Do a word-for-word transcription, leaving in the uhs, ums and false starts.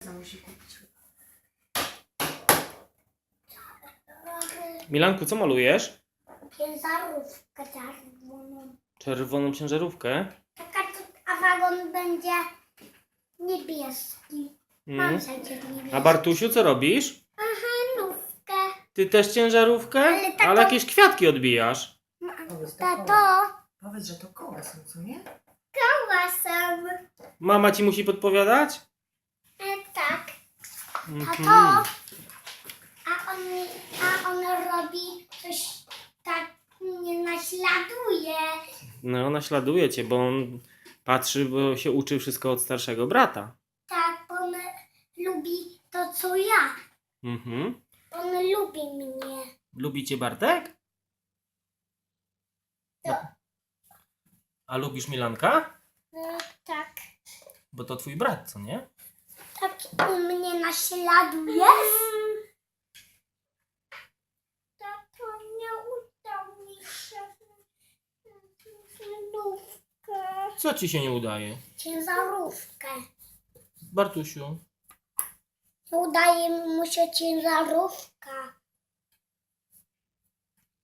Co musi kupić? Milanku, co malujesz? Ciężarówkę czerwoną. Czerwoną ciężarówkę. Taka, a wagon będzie niebieski. Mam Mm. przecież niebieski. A Bartusiu, co robisz? Handówkę. Ty też ciężarówkę? Ale taką- Ale jakieś kwiatki odbijasz. Powiedz, to Tato, koła. Powiedz, że to koła są, co nie? łasem. Mama ci musi podpowiadać? E, tak. Mhm. Tato, a on, a on robi coś tak, nie naśladuje. No, naśladuje cię, bo on patrzy, bo się uczy wszystko od starszego brata. Tak, on lubi to, co ja. Mhm. On lubi mnie. Lubi cię Bartek? Tak. A lubisz Milanka? E, tak. Bo to twój brat, co nie? Tak u mnie naśladuje. Tato, nie udał mi się handówkę. Co ci się nie udaje? Ciężarówkę. Bartusiu. Udaje mu się ciężarówka.